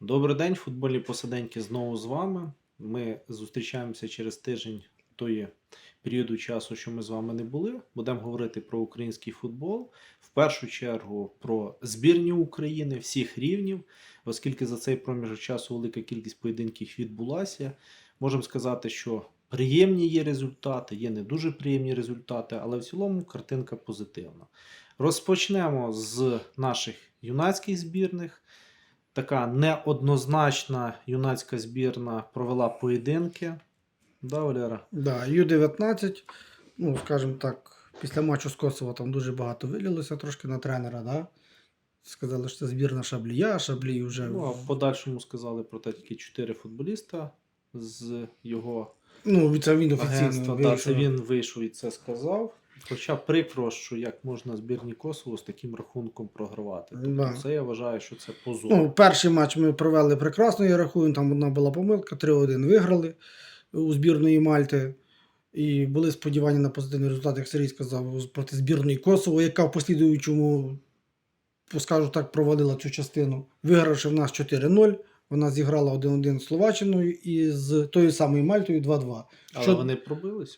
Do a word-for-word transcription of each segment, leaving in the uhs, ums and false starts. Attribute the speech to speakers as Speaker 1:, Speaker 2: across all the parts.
Speaker 1: Добрий день, футбольні посиденьки знову з вами. Ми зустрічаємося через тиждень тої періоду часу, що ми з вами не були. Будемо говорити про український футбол. В першу чергу про збірні України всіх рівнів, оскільки за цей проміжок часу велика кількість поєдинків відбулася. Можемо сказати, що приємні є результати, є не дуже приємні результати, але в цілому картинка позитивна. Розпочнемо з наших юнацьких збірних. Така неоднозначна юнацька збірна провела поєдинки. Да, Валера?
Speaker 2: Да, Ю дев'ятнадцять, ну, скажімо так, після матчу з Косово там дуже багато вилілося трошки на тренера, да? Сказали, що це збірна Шаблія, Шаблій вже...
Speaker 1: Ну, а в подальшому сказали про те тільки чотири футболіста з його
Speaker 2: Ну, це він офіційно
Speaker 1: агентства. Да, це
Speaker 2: вийшов.
Speaker 1: він вийшов і це сказав. Хоча прикро, що як можна збірні Косово з таким рахунком програвати. Тобто
Speaker 2: Да.
Speaker 1: це я вважаю, що це позор.
Speaker 2: Ну, перший матч ми провели прекрасно, я рахую, там одна була помилка, три один виграли у збірної Мальти. І були сподівання на позитивний результат, як Сергій сказав, проти збірної Косово, яка в послідуючому, скажу так, провалила цю частину. Вигравши в нас чотири нуль, вона зіграла один один з Словаччиною і з тою самою Мальтою два два.
Speaker 1: Але
Speaker 2: Що...
Speaker 1: вони пробилися.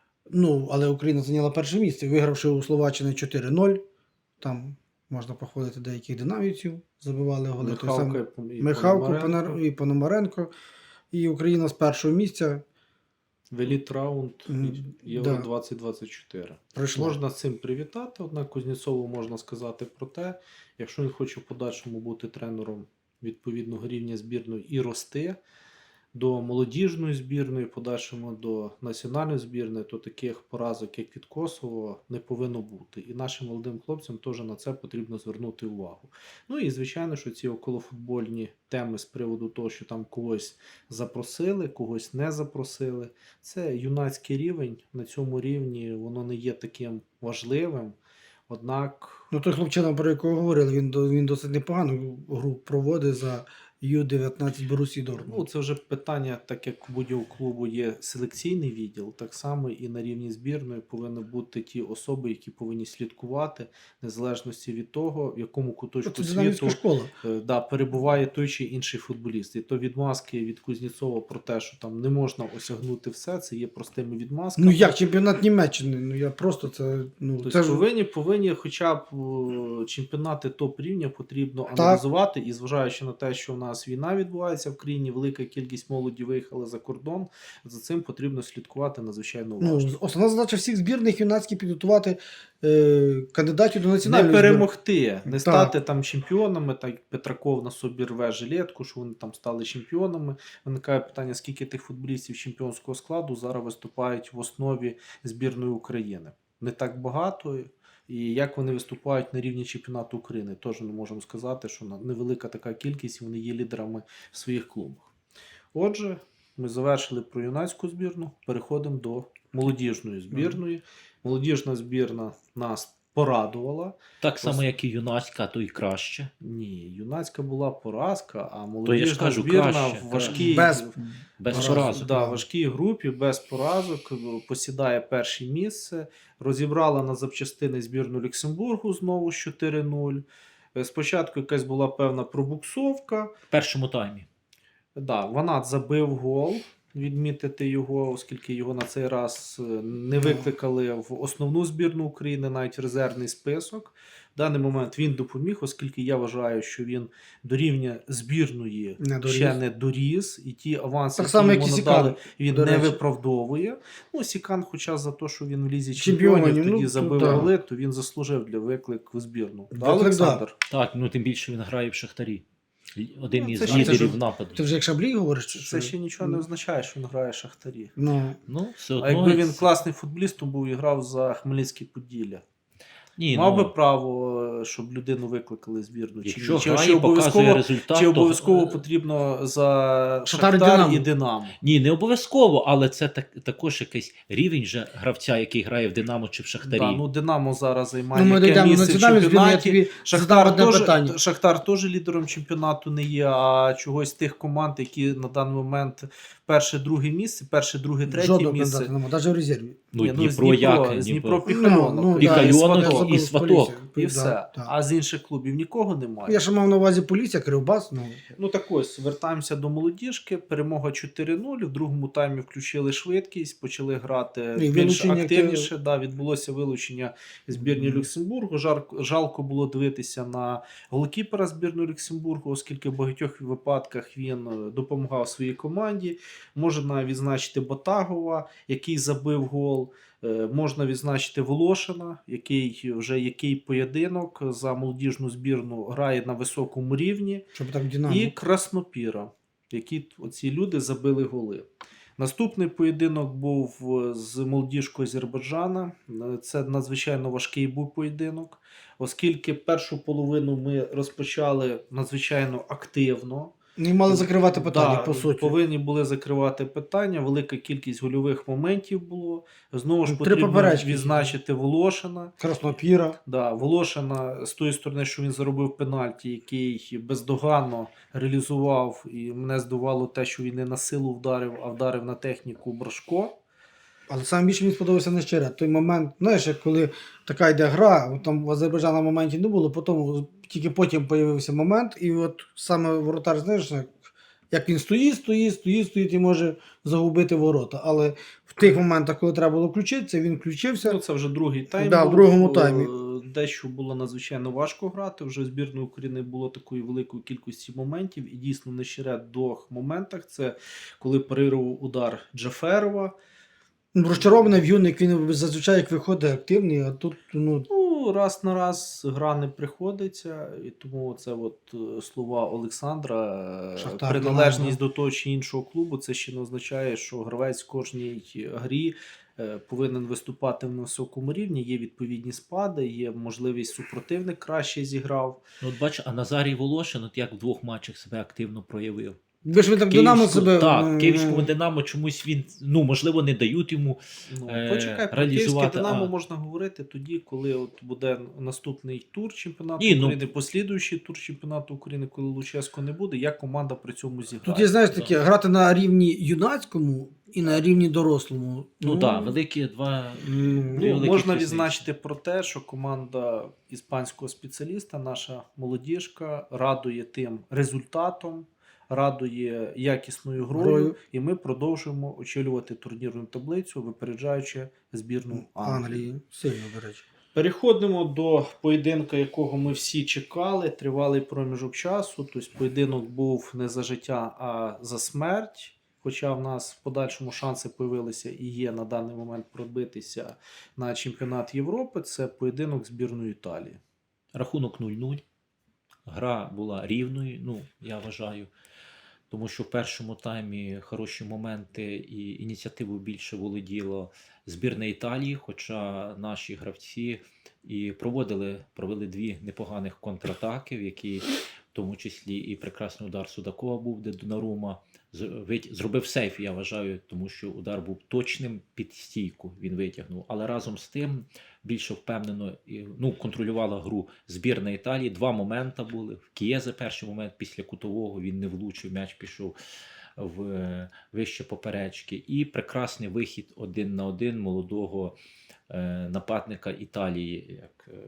Speaker 2: Ну, але Україна зайняла перше місце, вигравши у Словаччини чотири нуль. Там можна похвалити деяких динамівців, забивали голи.
Speaker 1: Михалко
Speaker 2: Сам...
Speaker 1: і
Speaker 2: Михалко
Speaker 1: Пономаренко.
Speaker 2: Пономаренко. і Пономаренко. І Україна з першого місця
Speaker 1: В еліт раунд
Speaker 2: Мгм,
Speaker 1: Євро
Speaker 2: да.
Speaker 1: двадцять двадцять чотири.
Speaker 2: пройшла.
Speaker 1: Можна з цим привітати, однак Кузнєцову можна сказати про те, якщо він хоче в подальшому бути тренером відповідного рівня збірної і рости до молодіжної збірної, в подальшому до національної збірної, то таких поразок, як від Косово, не повинно бути. І нашим молодим хлопцям теж на це потрібно звернути увагу. Ну і звичайно, що ці околофутбольні теми з приводу того, що там когось запросили, когось не запросили, це юнацький рівень. На цьому рівні воно не є таким важливим. Однак
Speaker 2: Ну, той хлопчина, про якого говорили, він, до- він досить непогану гру проводить за Ю дев'ятнадцять Борусі Дортмунд.
Speaker 1: Ну, це вже питання, так як у будь-якого клубу є селекційний відділ, так само і на рівні збірної повинні бути ті особи, які повинні слідкувати, незалежності від того, в якому куточку
Speaker 2: Це
Speaker 1: світу
Speaker 2: динамівська школа.
Speaker 1: е, да, перебуває той чи інший футболіст. І то відмазки від Кузнєцова про те, що там не можна осягнути все, це є простими відмазками.
Speaker 2: Ну як чемпіонат Німеччини? Ну я просто це. Ну,
Speaker 1: Тобто
Speaker 2: це ж...
Speaker 1: повинні, повинні хоча б е, чемпіонати топ-рівня потрібно аналізувати, і зважаючи на те, що в нас війна відбувається в країні, велика кількість молоді виїхали за кордон, за цим потрібно слідкувати надзвичайно уважно.
Speaker 2: Ну, основна задача всіх збірних юнацьких підготувати е, кандидатів до
Speaker 1: Не
Speaker 2: національної
Speaker 1: перемогти, не
Speaker 2: Так.
Speaker 1: стати там чемпіонами, так Петраков на собі рве жилетку, що вони там стали чемпіонами. Виникає питання, скільки тих футболістів чемпіонського складу зараз виступають в основі збірної України. Не так багато. І як вони виступають на рівні чемпіонату України, теж не можемо сказати, що невелика така кількість, вони є лідерами в своїх клубах. Отже, ми завершили про юнацьку збірну, переходимо до молодіжної збірної. Молодіжна збірна нас порадувала.
Speaker 3: Так само, як і юнацька, а то і краще.
Speaker 1: Ні, юнацька була поразка, а
Speaker 3: То я ж
Speaker 1: молодіжна
Speaker 3: кажу,
Speaker 1: збірна
Speaker 3: краще,
Speaker 1: в важкій,
Speaker 2: Без-
Speaker 3: Без
Speaker 2: Раз,
Speaker 3: поразок.
Speaker 1: да,
Speaker 2: да.
Speaker 1: важкій групі, без поразок, посідає перше місце. Розібрала на запчастини збірну Люксембургу знову з чотири нуль. Е, Спочатку якась була певна пробуксовка.
Speaker 3: В першому таймі.
Speaker 1: Да, Ванат забив гол, відмітити його, оскільки його на цей раз е, не викликали в основну збірну України, навіть в резервний список. В даний момент він допоміг, оскільки я вважаю, що він до рівня збірної
Speaker 2: Не доріс.
Speaker 1: ще не доріс, і ті аванси,
Speaker 2: Так само,
Speaker 1: які
Speaker 2: як і
Speaker 1: йому
Speaker 2: Сікан,
Speaker 1: надали, він
Speaker 2: до
Speaker 1: не
Speaker 2: речі.
Speaker 1: виправдовує. Ну, Сікан, хоча за те, що він в лізі
Speaker 2: Чемпіонів,
Speaker 1: чемпіонів тоді
Speaker 2: ну,
Speaker 1: забив
Speaker 2: то да.
Speaker 1: голи, то він заслужив для виклик в збірну. Да,
Speaker 2: Виклик,
Speaker 1: Олександр?
Speaker 3: Так, ну тим більше він грає в Шахтарі. Один
Speaker 1: Ну,
Speaker 3: із
Speaker 1: це ж-
Speaker 3: лідерів
Speaker 2: це ж-
Speaker 3: нападу.
Speaker 2: Ти вже як Шаблій говориш? Чи
Speaker 1: Це
Speaker 2: що?
Speaker 1: ще нічого не означає, що він грає в Шахтарі.
Speaker 2: Ну,
Speaker 3: Ну, все одно.
Speaker 1: А якби він
Speaker 3: це-
Speaker 1: класний футболіст, то був і грав за Хмельницьке Поділля.
Speaker 3: Ні,
Speaker 1: Мав
Speaker 3: ну,
Speaker 1: би право, щоб людину викликали в збірну. Чи,
Speaker 3: якщо
Speaker 1: чи,
Speaker 3: грає,
Speaker 1: чи
Speaker 3: показує
Speaker 1: обов'язково,
Speaker 3: результат,
Speaker 1: чи
Speaker 3: то-
Speaker 1: обов'язково потрібно за
Speaker 2: Шахтар і
Speaker 1: Шахтар
Speaker 2: Динамо.
Speaker 1: і Динамо?
Speaker 3: Ні, не обов'язково, але це так, також якийсь рівень же гравця, який грає в Динамо чи в Шахтарі.
Speaker 1: Да, ну Динамо зараз займає
Speaker 2: ну ми
Speaker 1: яке
Speaker 2: дійдемо до
Speaker 1: місце в
Speaker 2: національної збірної, я
Speaker 1: чемпіонаті.
Speaker 2: тобі задам
Speaker 1: Шахтар
Speaker 2: одне
Speaker 1: теж,
Speaker 2: питання.
Speaker 1: Шахтар теж лідером чемпіонату не є, а чогось тих команд, які на даний момент перше-друге місце, перше-друге, третє
Speaker 2: Жодного
Speaker 1: місце.
Speaker 2: кандидата немає, навіть в резерві.
Speaker 3: Ну,
Speaker 1: Ні,
Speaker 3: Дніпро,
Speaker 1: з Дніпро,
Speaker 3: як?
Speaker 1: з
Speaker 3: Дніпро.
Speaker 1: Дніпро Піхальонок.
Speaker 2: Ну, ну,
Speaker 3: І
Speaker 2: да,
Speaker 3: Кальонок,
Speaker 2: Сваток,
Speaker 3: і
Speaker 2: з
Speaker 3: Сваток.
Speaker 2: Полісся.
Speaker 1: І
Speaker 2: Да,
Speaker 1: все.
Speaker 2: да.
Speaker 1: А з інших клубів нікого немає.
Speaker 2: Я ще мав на увазі Полісся, Кривбас. Ну,
Speaker 1: Ну так ось, вертаємося до молодіжки. Перемога чотири нуль. В другому таймі включили швидкість, почали грати
Speaker 2: І
Speaker 1: більш
Speaker 2: вилучення
Speaker 1: активніше. Да, відбулося вилучення збірні
Speaker 2: Мгм.
Speaker 1: Люксембургу. Жар- Жалко було дивитися на голкіпера збірної Люксембургу, оскільки в багатьох випадках він е, допомагав своїй команді. Можна відзначити Ботагова, який забив гол. Е, Можна відзначити Волошина, який вже який поєдинок за молодіжну збірну грає на високому рівні.
Speaker 2: щоб так Динамо.
Speaker 1: І Краснопіра, які оці люди забили голи. Наступний поєдинок був е, з молодіжкою Азербайджана. Е, Це надзвичайно важкий був поєдинок, оскільки першу половину ми розпочали надзвичайно активно.
Speaker 2: Не мали закривати питання,
Speaker 1: Да,
Speaker 2: по суті.
Speaker 1: повинні були закривати питання. Велика кількість гольових моментів було. Знову ж
Speaker 2: Три
Speaker 1: потрібно
Speaker 2: поперечки.
Speaker 1: відзначити Волошина.
Speaker 2: Краснопіра.
Speaker 1: Да, Волошина з тої сторони, що він заробив пенальті, який бездоганно реалізував, і мене здивувало те, що він не на силу вдарив, а вдарив на техніку Брашко.
Speaker 2: Але саме більше мені сподобався не щире. Той момент, знаєш, як коли така йде гра, от там в Азербайджана моментів не було, потім, тільки потім з'явився момент, і от саме воротар, знаєш, як, як він стоїть, стоїть, стоїть, стоїть і може загубити ворота. Але в тих моментах, коли треба було включитися, він включився.
Speaker 1: Ну, це вже другий тайм.
Speaker 2: Да, в
Speaker 1: був.
Speaker 2: другому
Speaker 1: Е,
Speaker 2: таймі.
Speaker 1: Дещо було надзвичайно важко грати. Вже в збірної України було такої великої кількості моментів. І дійсно не щире в двох моментах. Це коли парирував удар Джаферова.
Speaker 2: Ну, розчарований в юник, він зазвичай як виходить активний, а тут, ну,
Speaker 1: Ну, раз на раз гра не приходиться, і тому це от е, слова Олександра, е,
Speaker 2: Шахтар,
Speaker 1: приналежність
Speaker 2: Динамо.
Speaker 1: до того чи іншого клубу, це ще не означає, що гравець в кожній грі е, повинен виступати на високому рівні, є відповідні спади, є можливість супротивник краще зіграв.
Speaker 3: Ну, от бач, а Назарій Волошин, от як в двох матчах себе активно проявив.
Speaker 2: ви ж ви так Динамо
Speaker 3: Київську-
Speaker 2: себе...
Speaker 3: Так,
Speaker 2: м,
Speaker 3: Київському Динамо чомусь він, ну, можливо, не дають йому.
Speaker 1: Ну,
Speaker 3: Е,
Speaker 1: почекай, про
Speaker 3: реалізувати,
Speaker 1: Київське Динамо
Speaker 3: а.
Speaker 1: можна говорити тоді, коли от буде наступний тур чемпіонату
Speaker 3: Ні, ну-
Speaker 1: України, послідуючий тур чемпіонату України, коли Луческо не буде, як команда при цьому зіграє.
Speaker 2: Тут є, знаєш,
Speaker 3: Да.
Speaker 2: таке, грати на рівні юнацькому і на рівні дорослому.
Speaker 3: Ну так, да, великі два.
Speaker 2: м,
Speaker 3: Дві
Speaker 1: Ну,
Speaker 3: великі
Speaker 1: можна
Speaker 3: різниці.
Speaker 1: відзначити про те, що команда іспанського спеціаліста, наша молодіжка, радує тим результатом, радує якісною грою,
Speaker 2: Грою.
Speaker 1: і ми продовжуємо очолювати турнірну таблицю, випереджаючи збірну Англії.
Speaker 2: Англії. Сильно, до речі.
Speaker 1: Переходимо до поєдинка, якого ми всі чекали. Тривалий проміжок часу. Тобто поєдинок був не за життя, а за смерть. Хоча в нас в подальшому шанси появилися і є на даний момент пробитися на чемпіонат Європи. Це поєдинок збірної Італії.
Speaker 3: Рахунок нуль нуль. Гра була рівною, ну, я вважаю. Тому що в першому таймі хороші моменти і ініціативу більше володіло збірна Італії, хоча наші гравці і проводили, провели дві непоганих контратаки, в які в тому числі і прекрасний удар Судакова був, де Донарума з- вит- зробив сейф, я вважаю, тому що удар був точним, під стійку він витягнув. Але разом з тим більше впевнено і, ну, контролювала гру збірна Італії. Два моменти були. В Кієзе перший момент після кутового він не влучив, м'яч пішов в е, вище поперечки. І прекрасний вихід один на один молодого е, нападника Італії, як е,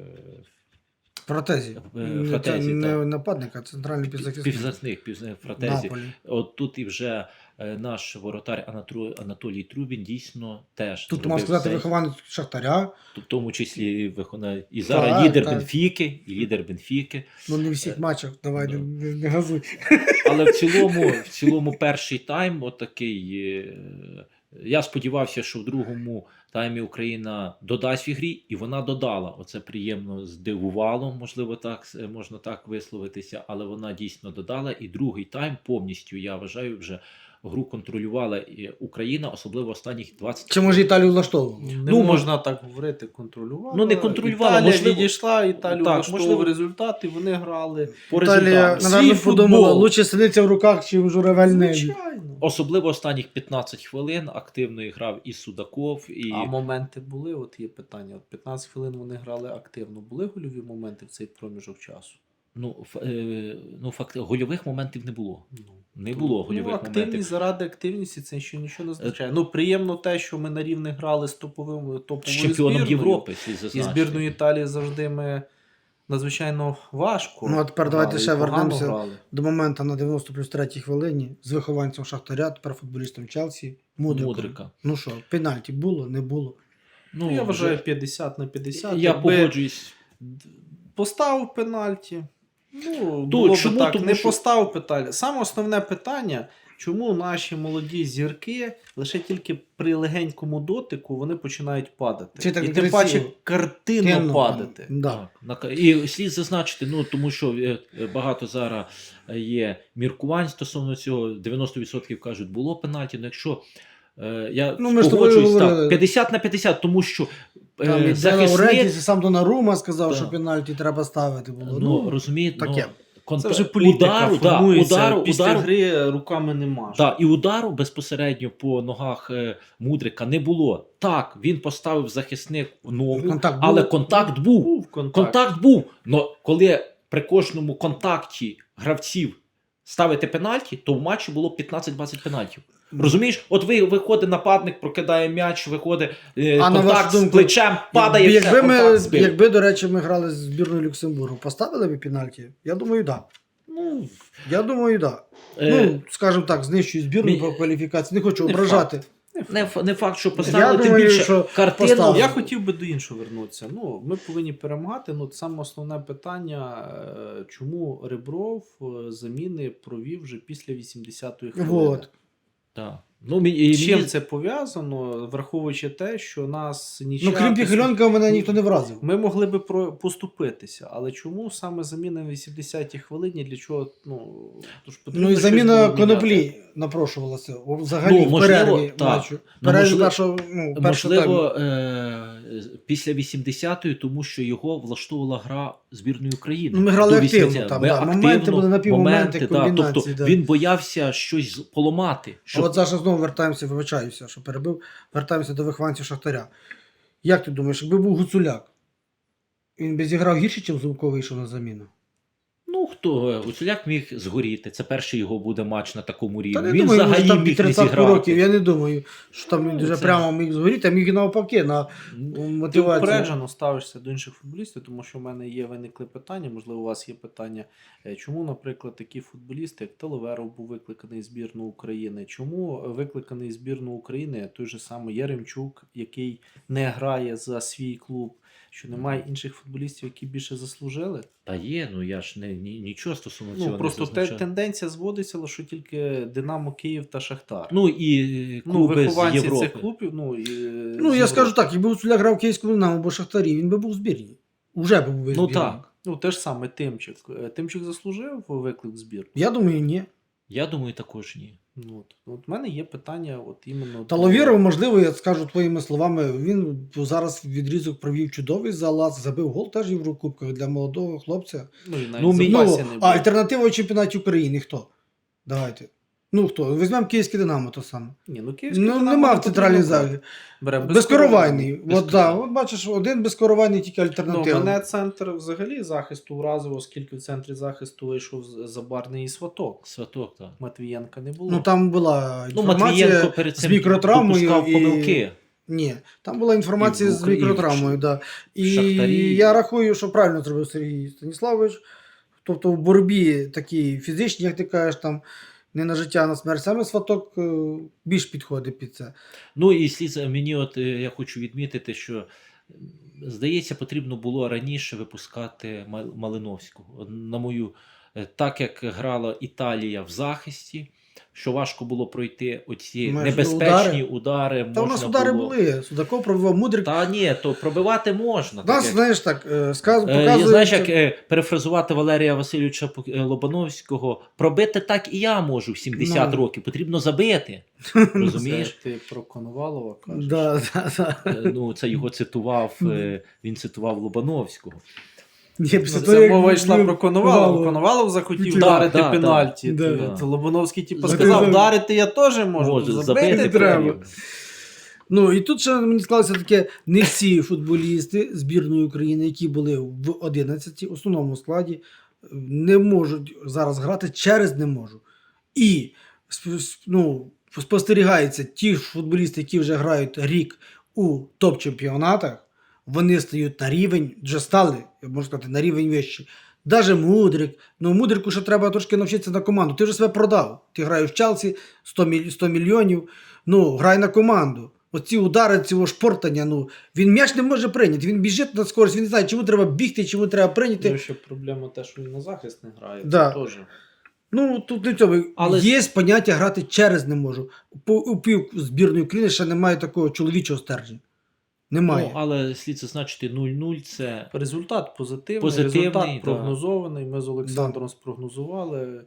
Speaker 2: Фратезі.
Speaker 3: Е,
Speaker 2: Не,
Speaker 3: Фратезі,
Speaker 2: це не
Speaker 3: так.
Speaker 2: нападник, а центральний півзахисник.
Speaker 3: півзахисник, півзахисник Фратезі.
Speaker 2: Наполі.
Speaker 3: От тут і вже е, наш воротар Анатру- Анатолій Трубін дійсно теж
Speaker 2: Тут
Speaker 3: зробив
Speaker 2: можна сказати
Speaker 3: сейв.
Speaker 2: вихованець Шахтаря.
Speaker 3: В тому числі виконає і зараз
Speaker 2: Так,
Speaker 3: лідер
Speaker 2: так.
Speaker 3: Бенфіки, і лідер Бенфіки.
Speaker 2: Ну не в всіх матчах, давай, не, не, не газуй.
Speaker 3: Але в цілому, в цілому перший тайм отакий. е, Я сподівався, що в другому таймі Україна додасть в ігрі, і вона додала. Оце приємно здивувало, можливо, так е, можна так висловитися, але вона дійсно додала. І другий тайм повністю, я вважаю, вже гру контролювала і Україна, особливо останніх двадцять.
Speaker 2: Чи може Італію влаштовував?
Speaker 1: Не
Speaker 3: Ну,
Speaker 1: можна так говорити, контролювала.
Speaker 3: Ну, не контролювала,
Speaker 1: Італія
Speaker 3: можливо-
Speaker 1: відійшла, Італію
Speaker 3: Так,
Speaker 1: влаштовував
Speaker 3: можливо-
Speaker 1: результат, і вони грали.
Speaker 3: по
Speaker 2: Італія,
Speaker 3: результату.
Speaker 2: напевно,
Speaker 1: Свій
Speaker 2: подумала,
Speaker 1: футбол.
Speaker 2: лучше сидиться в руках, чим журавель небі.
Speaker 1: Звичайно.
Speaker 3: Особливо останніх п'ятнадцять хвилин активно грав і Судаков, і
Speaker 1: А моменти були, от є питання. От п'ятнадцять хвилин вони грали активно. Були гольові моменти в цей проміжок часу?
Speaker 3: ну, ф- е, ну факт, гольових моментів не було.
Speaker 1: Ну,
Speaker 3: Не було гольових
Speaker 1: ну, активність
Speaker 3: моментів.
Speaker 1: заради активності це ще нічого не означає. Ну, приємно те, що ми на рівних грали з топовим
Speaker 3: З
Speaker 1: топовою
Speaker 3: чемпіоном
Speaker 1: збірною.
Speaker 3: Європи, слід
Speaker 1: І
Speaker 3: зазначити.
Speaker 1: збірною Італії завжди ми надзвичайно важко.
Speaker 2: Ну, а тепер давайте
Speaker 1: грали,
Speaker 2: ще
Speaker 1: і погано
Speaker 2: вернемося
Speaker 1: грали.
Speaker 2: до моменту на дев'яносто плюс третій хвилині з вихованцем Шахтаря, тепер футболістом Челсі, Мудриком.
Speaker 3: Мудрика.
Speaker 2: Ну що, пенальті було, не було.
Speaker 1: Ну, я вважаю п'ятдесят на п'ятдесят.
Speaker 3: я
Speaker 1: Якби
Speaker 3: погоджуюсь.
Speaker 1: поставив пенальті. Ну,
Speaker 3: То,
Speaker 1: було б
Speaker 3: чому?
Speaker 1: так,
Speaker 3: Тому
Speaker 1: не
Speaker 3: що-
Speaker 1: поставив пенальті. Саме основне питання, чому наші молоді зірки лише тільки при легенькому дотику вони починають падати.
Speaker 2: Це так
Speaker 1: І тим
Speaker 2: красиво.
Speaker 1: паче картинно
Speaker 2: Темно,
Speaker 1: падати.
Speaker 2: Да.
Speaker 3: Так, на- і слід зазначити, ну тому що е, е, багато зараз є міркувань стосовно цього. дев'яносто відсотків кажуть, було пенальті. Ну якщо е, я
Speaker 2: Ну, ми ж з тобою
Speaker 3: погоджуюсь,
Speaker 2: говорили.
Speaker 3: так, п'ятдесят на п'ятдесят, тому що
Speaker 2: Там
Speaker 3: е,
Speaker 2: і
Speaker 3: захисник,
Speaker 2: Лаурентіс, і сам Донарума сказав,
Speaker 3: Да.
Speaker 2: що пенальті треба ставити було.
Speaker 3: ну розумієте,
Speaker 2: таке.
Speaker 3: ну, конта-
Speaker 1: Це вже політика
Speaker 3: удару, да,
Speaker 1: формується,
Speaker 3: удару,
Speaker 1: після
Speaker 3: удару,
Speaker 1: гри руками не маш.
Speaker 3: да, і удару безпосередньо по ногах е, Мудрика не було. Так, він поставив захисник в ногу,
Speaker 2: Контакт
Speaker 3: але
Speaker 2: був?
Speaker 3: контакт був.
Speaker 1: Був контакт.
Speaker 3: Контакт був. Но коли при кожному контакті гравців ставити пенальті, то в матчі було п'ятнадцять-двадцять пенальтів. Розумієш? От ви виходить нападник, прокидає м'яч, виходить е,
Speaker 2: А на
Speaker 3: контакт
Speaker 2: вашу
Speaker 3: з
Speaker 2: думку,
Speaker 3: плечем, падає,
Speaker 2: якби,
Speaker 3: все,
Speaker 2: ми,
Speaker 3: контакт збив.
Speaker 2: якби, до речі, ми грали з збірною Люксембургу, поставили б пенальті? Я думаю, так. Да.
Speaker 3: Ну,
Speaker 2: Я думаю, так. Да.
Speaker 3: е,
Speaker 2: Ну, скажімо так, знищую збірну
Speaker 3: мі-
Speaker 2: по кваліфікації. Не хочу
Speaker 1: Не
Speaker 2: ображати.
Speaker 3: не, ф- не факт, що поставили,
Speaker 2: Я
Speaker 3: тим
Speaker 2: думаю,
Speaker 3: більше
Speaker 2: що
Speaker 3: картину.
Speaker 2: поставили.
Speaker 1: Я хотів би до іншого вернутися. Ну, ми повинні перемагати. Ну, саме основне питання, е, чому Ребров е, заміни провів вже після вісімдесятої хвилини.
Speaker 2: Вот.
Speaker 3: Так. Ну, мені, і
Speaker 1: З чим
Speaker 3: мені-
Speaker 1: це пов'язано, враховуючи те, що нас нічия...
Speaker 2: Ну, крім Піхальонка, мене ніхто не вразив.
Speaker 1: Ми могли би про- поступитися, але чому саме заміна на вісімдесятій хвилині, для чого, ну, тож потрібно
Speaker 2: Ну і
Speaker 1: щось
Speaker 2: заміна
Speaker 1: було міняти.
Speaker 2: Коноплі напрошувалася. О, взагалі
Speaker 3: Ну,
Speaker 2: в
Speaker 3: можливо,
Speaker 2: перерві
Speaker 3: так.
Speaker 2: матчу. В
Speaker 3: Ну,
Speaker 2: перерві
Speaker 3: можливо-
Speaker 2: першого, ну, першого
Speaker 3: Можливо,
Speaker 2: тайму.
Speaker 3: е- після вісімдесятої, тому що його влаштовувала гра збірної України.
Speaker 2: Ну, ми грали
Speaker 3: До
Speaker 2: активно
Speaker 3: вісімдесятої.
Speaker 2: там,
Speaker 3: Ми
Speaker 2: да. Моменти
Speaker 3: активно,
Speaker 2: були, напівмоменти,
Speaker 3: моменти, да.
Speaker 2: комбінації,
Speaker 3: Тобто
Speaker 2: да.
Speaker 3: він боявся щось поламати.
Speaker 2: А
Speaker 3: Щоб...
Speaker 2: от зараз знову вертаємося, вибачаюся, що перебив, вертаємося до вихованців Шахтаря. Як ти думаєш, якби був Гуцуляк, він би зіграв гірше, ніж Зубко вийшов на заміну?
Speaker 3: Ну, хто? Гуцуляк міг згоріти. Це перший його буде матч на такому рівні.
Speaker 2: Та не
Speaker 3: Він
Speaker 2: думаю,
Speaker 3: взагалі
Speaker 2: може, там
Speaker 3: міг
Speaker 2: під
Speaker 3: не
Speaker 2: тридцять
Speaker 3: зіграти.
Speaker 2: років, я не думаю, що там він
Speaker 3: Ну,
Speaker 2: дуже
Speaker 3: це-
Speaker 2: прямо міг згоріти, а міг і навпаки на
Speaker 1: Ти
Speaker 2: мотивацію.
Speaker 1: упереджено ставишся до інших футболістів, тому що в мене є виникли питання, можливо, у вас є питання, е, чому, наприклад, такі футболісти, як Телеверов був викликаний в збірну України, чому викликаний в збірну України той же самий Яремчук, який не грає за свій клуб, що немає інших футболістів, які більше заслужили?
Speaker 3: Та є, ну я ж не, ні, нічого стосовно цього
Speaker 1: Ну, просто
Speaker 3: не
Speaker 1: те,
Speaker 3: зазначаю.
Speaker 1: тенденція зводиться, що тільки Динамо Київ та Шахтар.
Speaker 3: Ну і е,
Speaker 1: Ну,
Speaker 3: клуби з
Speaker 1: вихованці
Speaker 3: Європи.
Speaker 1: цих клубів, ну, і,
Speaker 2: Ну,
Speaker 1: з
Speaker 2: я скажу
Speaker 1: Європи.
Speaker 2: так, якби Гуцуляк грав в Київському Динамо або Шахтарі, він би був у збірні. Уже був би в
Speaker 3: Ну
Speaker 2: збірні.
Speaker 3: так.
Speaker 1: Ну, те ж саме Тимчик. Е, Тимчик заслужив виклик в збір?
Speaker 2: Я думаю, ні.
Speaker 3: Я думаю, також ні.
Speaker 1: Ну, от, от в мене є питання, от іменно.
Speaker 2: Таловіров, можливо, я скажу твоїми словами, він зараз відрізок провів чудовий залаз, забив гол теж в Єврокубках для молодого хлопця.
Speaker 1: Ну, і навіть
Speaker 3: Ну,
Speaker 1: в
Speaker 3: мені-
Speaker 1: запасі
Speaker 2: Ну,
Speaker 1: не
Speaker 2: а
Speaker 1: було.
Speaker 2: альтернатива в чемпіонаті України хто? Давайте. Ну хто? Візьмемо Київське Динамо то саме.
Speaker 1: Ні, ну, Київський
Speaker 2: Ну,
Speaker 1: Динамо
Speaker 2: нема
Speaker 1: не
Speaker 2: в центральній
Speaker 1: потрібно
Speaker 2: залі.
Speaker 1: брати. Бере
Speaker 2: Безкоровайний. От, да,
Speaker 3: Безкоровайний.
Speaker 2: от бачиш, один безкоровайний тільки
Speaker 1: Ну,
Speaker 2: альтернатива.
Speaker 1: мене центр взагалі захисту вразив, оскільки в центрі захисту вийшов з- Забарний і Сваток.
Speaker 3: Сваток, так.
Speaker 1: Матвієнка не було.
Speaker 2: Ну там була
Speaker 3: Ну,
Speaker 2: інформація
Speaker 3: Матвієнко перед
Speaker 2: з
Speaker 3: цим
Speaker 2: мікротравмою.
Speaker 3: допускав
Speaker 2: І...
Speaker 3: помилки.
Speaker 2: Ні, там була інформація
Speaker 3: І в
Speaker 2: з
Speaker 3: Україні,
Speaker 2: мікротравмою. Да. І
Speaker 3: Шахтарі.
Speaker 2: я рахую, що правильно зробив Сергій Станіславович. Тобто в боротьбі такій фізичній, як ти кажеш, там не на життя, а на смерть. Саме Сваток е, більш підходить під це.
Speaker 3: Ну і слід за- мені, от е, я хочу відмітити, що м, здається, потрібно було раніше випускати Мал- Малиновського. От, на мою, е, так як грала Італія в захисті, що важко було пройти оці
Speaker 2: Маєш
Speaker 3: небезпечні удари.
Speaker 2: Та у нас
Speaker 3: можна
Speaker 2: удари
Speaker 3: було...
Speaker 2: були. Судаков пробивав Мудрик.
Speaker 3: Та ні, то пробивати можна.
Speaker 2: Нас,
Speaker 3: так як-
Speaker 2: знаєш так, е, сказ...
Speaker 3: Е,
Speaker 2: показує.
Speaker 3: Знаєш, як е, перефразувати Валерія Васильовича Пу- е, Лобановського, пробити так і я можу в сімдесят
Speaker 2: Ну.
Speaker 3: років, потрібно забити.
Speaker 1: Це
Speaker 3: Розумієш?
Speaker 1: ти про Коновалова кажеш.
Speaker 2: Да, да, да.
Speaker 3: Е, Ну, це його цитував, е, він цитував Лобановського.
Speaker 2: Ні,
Speaker 1: Ну,
Speaker 2: після того,
Speaker 1: це
Speaker 2: як
Speaker 1: мова
Speaker 2: він
Speaker 1: йшла
Speaker 2: бив
Speaker 1: про Коновалова.
Speaker 2: Коновалова.
Speaker 1: Коновалов захотів
Speaker 2: Да,
Speaker 1: вдарити
Speaker 3: да,
Speaker 1: пенальті.
Speaker 2: да.
Speaker 1: То-
Speaker 3: Да.
Speaker 1: то Лобановський типу
Speaker 2: За-
Speaker 1: сказав,
Speaker 2: за-
Speaker 1: вдарити я теж можу,
Speaker 3: Може,
Speaker 1: тут
Speaker 3: забити
Speaker 1: забити
Speaker 2: треба.
Speaker 1: треба.
Speaker 2: Ну і тут ще мені склалося таке: не всі футболісти збірної України, які були в одинадцяти, основному складі, не можуть зараз грати через не можу. і сп- сп- ну, спостерігається ті ж футболісти, які вже грають рік у топ-чемпіонатах, вони стають на рівень, вже стали, я можу сказати, на рівень вищий. Даже Мудрик, ну Мудрику ще треба трошки навчитися на команду. Ти вже себе продав. Ти граєш в Челсі сто, міль... сто мільйонів, ну грай на команду. Оці удари, цього шпортання, ну він м'яч не може прийняти. Він біжить на скорість, він не знає, чому треба бігти, чому треба прийняти.
Speaker 1: Ну, ще проблема те, що він на захист не грає.
Speaker 2: Да.
Speaker 1: Це теж.
Speaker 2: Ну, тут не в цьому.
Speaker 3: Але-
Speaker 2: Є поняття грати через не можу. По, у пів збірної України ще немає такого чоловічого стержня. Немає.
Speaker 3: Ну, але слід зазначити нуль нуль це
Speaker 1: Результат позитивний,
Speaker 3: Позитивний,
Speaker 1: результат
Speaker 3: да.
Speaker 1: прогнозований. Ми з Олександром спрогнозували.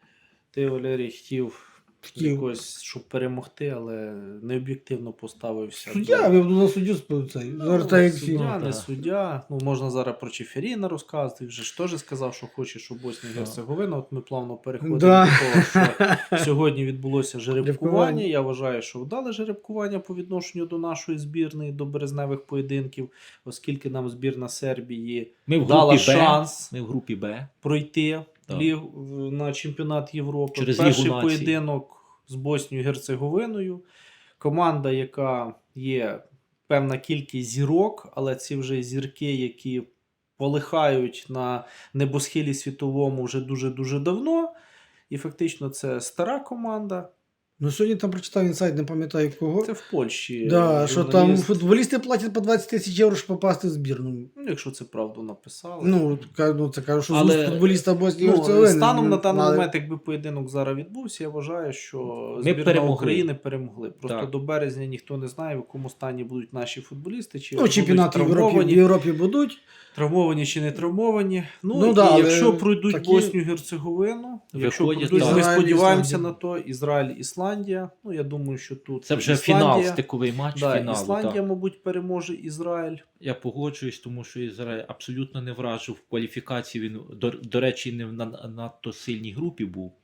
Speaker 1: Ти, Валерій, хотів,
Speaker 2: Хотів.
Speaker 1: якось, щоб перемогти, але необ'єктивно поставився.
Speaker 2: Суддя,
Speaker 1: до-
Speaker 2: я буду на суддю спив цей.
Speaker 1: Ну,
Speaker 2: Зараз так як всі.
Speaker 1: суддя,
Speaker 3: Ну,
Speaker 1: не
Speaker 3: так.
Speaker 1: суддя. Ну, можна зараз про Чеферіна розказати. Він же ж теж сказав, що хоче, щоб Боснія і Герцеговина. От ми плавно переходимо
Speaker 2: Да.
Speaker 1: до того, що сьогодні відбулося жеребкування.
Speaker 2: Жеребкування.
Speaker 1: Я вважаю, що вдале жеребкування по відношенню до нашої збірної, до березневих поєдинків, оскільки нам збірна Сербії
Speaker 3: ми в
Speaker 1: дала
Speaker 3: групі Б.
Speaker 1: шанс
Speaker 3: Ми в групі Б.
Speaker 1: пройти
Speaker 3: Так.
Speaker 1: ліг, в- на чемпіонат Європи.
Speaker 3: Через
Speaker 1: Перший
Speaker 3: Лігу націй.
Speaker 1: поєдинок з Боснією і Герцеговиною. Команда, яка є певна кількість зірок, але ці вже зірки, які полихають на небосхилі світовому вже дуже-дуже давно. І фактично це стара команда.
Speaker 2: Ну сьогодні там прочитав інсайт, не пам'ятаю кого.
Speaker 1: Це в Польщі.
Speaker 2: Да, що там
Speaker 1: журналіст.
Speaker 2: футболісти платять по двадцять тисяч євро, щоб попасти в збірну.
Speaker 1: Ну, якщо це правду написали.
Speaker 2: Ну, ка- ну це кажу, що
Speaker 1: Але,
Speaker 2: з уст футболіста Боснії і
Speaker 1: Ну,
Speaker 2: Герцеговини.
Speaker 1: станом на даний
Speaker 2: але-
Speaker 1: момент, якби поєдинок зараз відбувся, я вважаю, що
Speaker 3: Ми
Speaker 1: збірна
Speaker 3: перемогли.
Speaker 1: України перемогли. Просто
Speaker 3: Так.
Speaker 1: до березня ніхто не знає, в якому стані будуть наші футболісти, чи
Speaker 2: Ну,
Speaker 1: будуть
Speaker 2: чемпіонати в Європі, в
Speaker 1: травмовані,
Speaker 2: Європі будуть.
Speaker 1: травмовані чи не травмовані. Ну,
Speaker 2: Ну
Speaker 1: і
Speaker 2: да, але
Speaker 1: якщо пройдуть
Speaker 2: такі-
Speaker 1: Боснію Герцеговину, якщо
Speaker 3: Виходять,
Speaker 1: пройдуть,
Speaker 3: так.
Speaker 1: ми
Speaker 2: Ізраїль,
Speaker 1: сподіваємося
Speaker 2: Ісландія.
Speaker 1: на то, Ізраїль, Ісландія. Ну, я думаю, що тут
Speaker 3: Це вже
Speaker 1: Ісландія,
Speaker 3: фінал, стиковий матч
Speaker 1: Да,
Speaker 3: фіналу.
Speaker 1: Ісландія,
Speaker 3: Так.
Speaker 1: мабуть, переможе Ізраїль.
Speaker 3: Я погоджуюсь, тому що Ізраїль абсолютно не вражив в кваліфікації. Він, до, до речі, не в на- надто сильній групі був.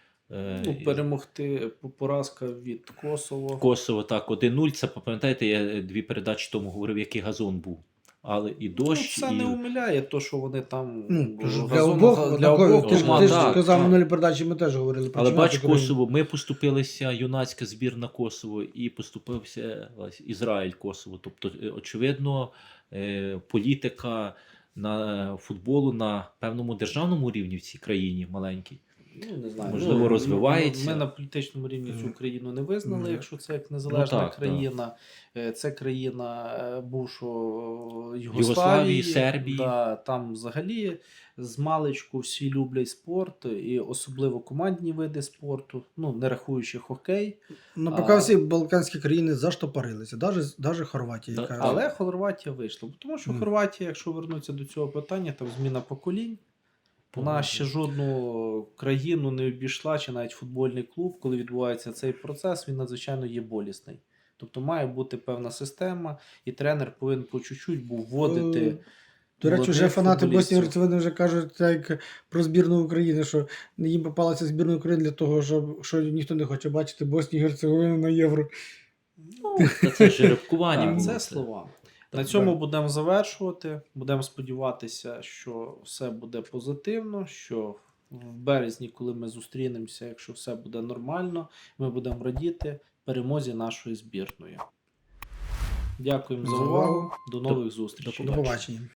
Speaker 3: Е,
Speaker 1: Ну, перемогти по- поразка від Косово.
Speaker 3: Косово так, один нуль. Це пам'ятаєте, я дві передачі тому говорив, який газон був. Але і
Speaker 1: Ну,
Speaker 3: дощ,
Speaker 1: це
Speaker 3: і...
Speaker 1: не умиляє, то, що вони там
Speaker 2: Ну, то ж для
Speaker 1: газон-
Speaker 2: обох,
Speaker 1: для
Speaker 2: однакові.
Speaker 1: обох
Speaker 2: Ти ж
Speaker 1: команд.
Speaker 2: ти ж
Speaker 3: так,
Speaker 2: казав
Speaker 3: так.
Speaker 2: минулі передачі, ми теж говорили про
Speaker 3: Але
Speaker 2: чемпіонат
Speaker 3: бач,
Speaker 2: України.
Speaker 3: Косово, ми поступилися, юнацька збірна Косово, і поступився ось, Ізраїль Косово. Тобто, е, очевидно, е, політика на футболу на певному державному рівні в цій країні маленькій.
Speaker 1: Ну, не знаю.
Speaker 3: Можливо,
Speaker 1: ну,
Speaker 3: розвивається.
Speaker 1: Ми на політичному рівні цю
Speaker 2: Мгм.
Speaker 1: країну не визнали,
Speaker 2: Мгм.
Speaker 1: якщо це як незалежна
Speaker 3: Ну, так,
Speaker 1: країна. Е, Це країна е, бувшого Югославії,
Speaker 3: Югославії, Сербії.
Speaker 1: Да, там взагалі з маличку всі люблять спорт, і особливо командні види спорту, ну, не рахуючи хокей.
Speaker 2: Ну,
Speaker 1: А-
Speaker 2: поки всі балканські країни заштопорилися, навіть, навіть Хорватія.
Speaker 3: Да,
Speaker 2: яка...
Speaker 1: Але Хорватія вийшла. Тому що
Speaker 2: Мгм.
Speaker 1: Хорватія, якщо вернутися до цього питання, там зміна поколінь. Вона ще жодну країну не обійшла, чи навіть футбольний клуб, коли відбувається цей процес, він надзвичайно є болісний. Тобто має бути певна система, і тренер повинен по чуть-чуть був вводити.
Speaker 2: Е, До речі, вже
Speaker 1: молодих
Speaker 2: фанати
Speaker 1: футболістів.
Speaker 2: Боснії і Герцеговини вже кажуть так, як про збірну України, що їм попалася збірна України для того, щоб що ніхто не хоче бачити Боснію і Герцеговину на євро.
Speaker 3: Ну, та це жеребкування
Speaker 1: Так,
Speaker 3: було.
Speaker 1: це слова.
Speaker 2: Так,
Speaker 1: На цьому
Speaker 2: так.
Speaker 1: будемо завершувати. Будемо сподіватися, що все буде позитивно, що в березні, коли ми зустрінемося, якщо все буде нормально, ми будемо радіти перемозі нашої збірної. Дякуємо за
Speaker 2: За
Speaker 1: увагу.
Speaker 2: увагу.
Speaker 1: До нових зустрічей.
Speaker 2: До побачення.